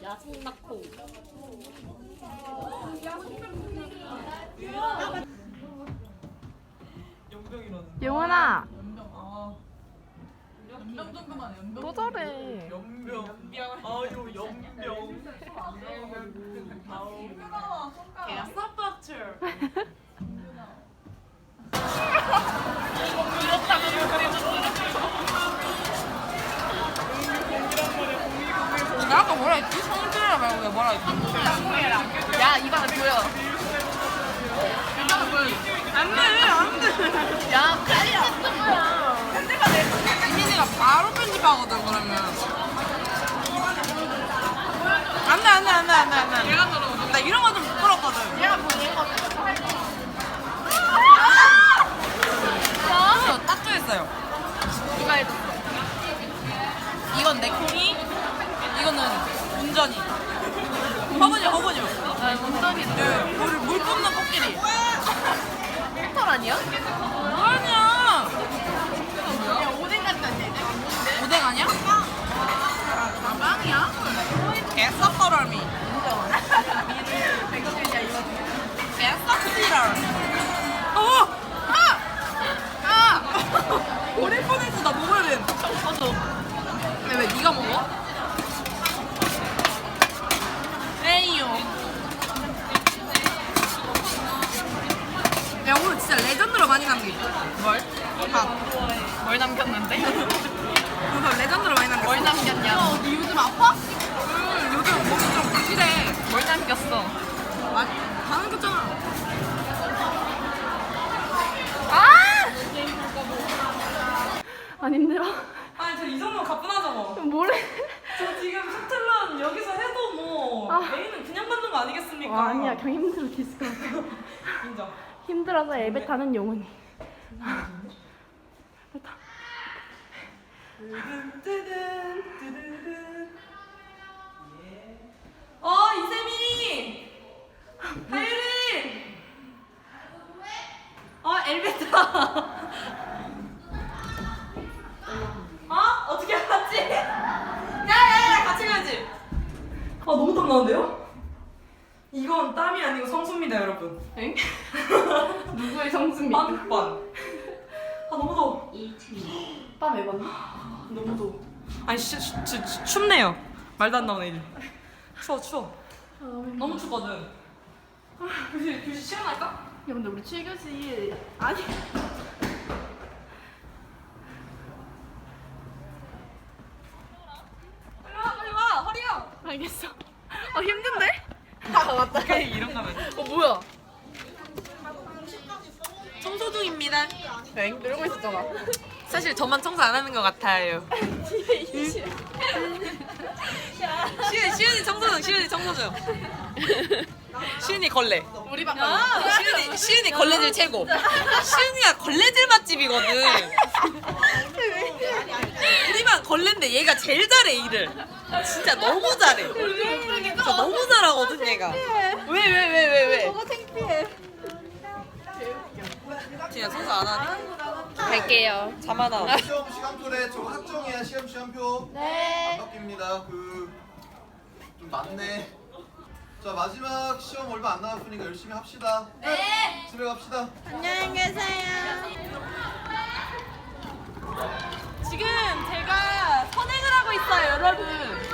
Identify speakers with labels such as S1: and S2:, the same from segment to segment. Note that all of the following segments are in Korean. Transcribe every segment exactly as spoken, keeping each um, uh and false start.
S1: 야 송낙호.
S2: 영원아
S3: 연병 정도만 해, 연병.
S2: 또 저래.
S4: 연병. 아유 연병.
S3: 손가락, 손가락.
S1: 야 서포트.
S3: 나 아까 뭐라 했지? 성질이라 말고 왜 뭐라 했지?
S2: 야 이거 하나 보여.
S3: 안돼 안돼.
S2: 야 빨리 안 거야.
S3: 이민이가 바로 편집하거든 그러면. 안돼 안돼 안돼 안돼 안돼. 얘가 들어. 나 이런 거 좀 부끄럽거든.
S2: 얘가 보내거.
S3: 저 따뜻했어요.
S2: 누가 해줬어?
S3: 이건 내 콩이, 이거는 운전이. 허브죠 허브죠.
S2: 아 운전이네.
S3: 네, 물, 물 뿜는 코끼리.
S2: 털 아니야?
S3: 아니야.
S2: 야 오뎅 같다는데.
S3: 오뎅 아니야?
S2: 가방이야?
S3: 개썩더러미.
S2: 백성이야 이거.
S3: 개썩지럴. 어! 아! 아! 버릴 뻔했어. 나 먹어야 돼. 맞아. 왜, 왜 네가 먹어? 에이요. 야 오늘 진짜 레전드로 많이 남기. 뭘? 밥.
S2: 뭘 남겼는데?
S3: 오늘 레전드로 많이 남겼어.
S2: 뭘 남겼냐?
S3: 야, 너 요즘 아파? 응, 요즘 몸이 좀 부실해.
S2: 뭘 남겼어?
S3: 아, 다 남겼잖아.
S2: 안 힘들어?
S4: 아니 저 이 정도면 가뿐하죠 뭐.
S2: 뭐래?
S4: 저 지금 셔틀런 여기서 해도 뭐
S2: 아.
S4: 메인은 그냥 받는 거 아니겠습니까?
S2: 와, 아니야 그냥 힘들어 디스크.
S4: 인정.
S2: 힘들어서 엘베 타는 영혼이.
S4: 뜨든 뜨든 뜨든. 예. 어 이세미. 하유리. 어 엘베타. 어? 어떻게 알았지? 야야야 같이 가야지. 아 너무 땀 나는데요? 이건 땀이 아니고 성수입니다 여러분.
S2: 엥? 누구의 성수입니까?
S4: 빵빵. 아 너무 더워.
S2: 땀 해봤나?
S4: 너무 더워. 아니 시, 시, 시, 시, 춥네요. 말도 안 나오네 이제. 추워 추워. 너무 춥거든. 아, 교실 교실 시원할까?
S2: 야 근데 우리 칠 교시 아니
S4: 빨리 와 빨리 와 허리야.
S2: 알겠어. 어 힘든데? 아 맞다.
S4: 그래 이런 거면.
S2: 어 뭐야?
S4: 청소 중입니다.
S2: 엥? 이러고 있었잖아.
S4: 사실 저만 청소 안 하는 것 같아요. 시은이 시은이 청소 중 시은이 청소 중. 시은이 걸레.
S2: 우리 방
S4: 시은이 시은이 걸레질 최고. 시은이가 걸레질 맛집이거든. 우리만 걸레인데 얘가 제일 잘해 일을. 진짜 너무 잘해. 진짜 너무 잘하거든 얘가. 왜 왜 왜 왜 왜?
S2: 너무 창피해.
S4: 진짜 청소 안 하니?
S2: 갈게요.
S4: 자만아.
S5: 시험 시간표래. 저거 학정이야. 시험 시간표.
S2: 네.
S5: 안 바뀝니다. 그 좀 많네. 자 마지막 시험 얼마 안 남았으니까 열심히 합시다. 네. 집에 갑시다.
S2: 안녕히 계세요.
S4: 지금 제가 선행을 하고 있어요 여러분.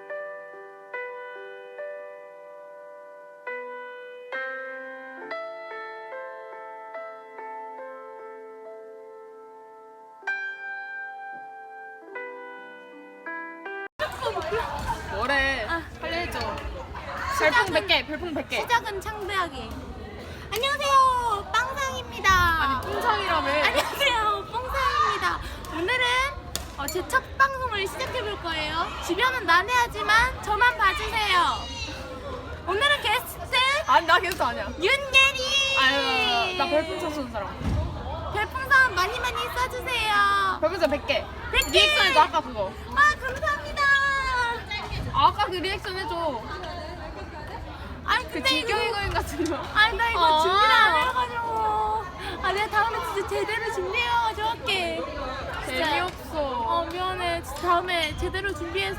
S2: 뭐래? 아, 빨리 해줘. 별풍 백 개, 별풍 백 개.
S6: 시작은 창대하게. 안녕하세요, 빵상입니다.
S2: 아니, 뿡창이라며.
S6: 안녕하세요, 뽕상입니다. 오늘은 어, 제 첫 방송을 시작해 볼 거예요. 주변은 난해하지만 저만 봐주세요. 오늘은 게스트
S2: 아니, 나 게스트 아니야.
S6: 윤예리.
S2: 아유, 나 별풍선 쏘는 사람.
S6: 별풍선 많이 많이 쏴주세요.
S2: 별풍선 백 개.
S6: 백 개.
S2: 리액션 해줘, 아까 그거.
S6: 아 감사합니다.
S2: 아, 아까 그 리액션 해줘.
S6: 아니
S2: 그
S6: 근데 이거
S2: 질경의 거인 같은 거.
S6: 아니 나 이거
S2: 아.
S6: 준비를 안 해가지고. 아 내가 다음에 진짜 제대로 준비해가지고 할게. 진짜.
S2: 재미없어.
S6: 어 미안해. 진짜 다음에 제대로 준비해서.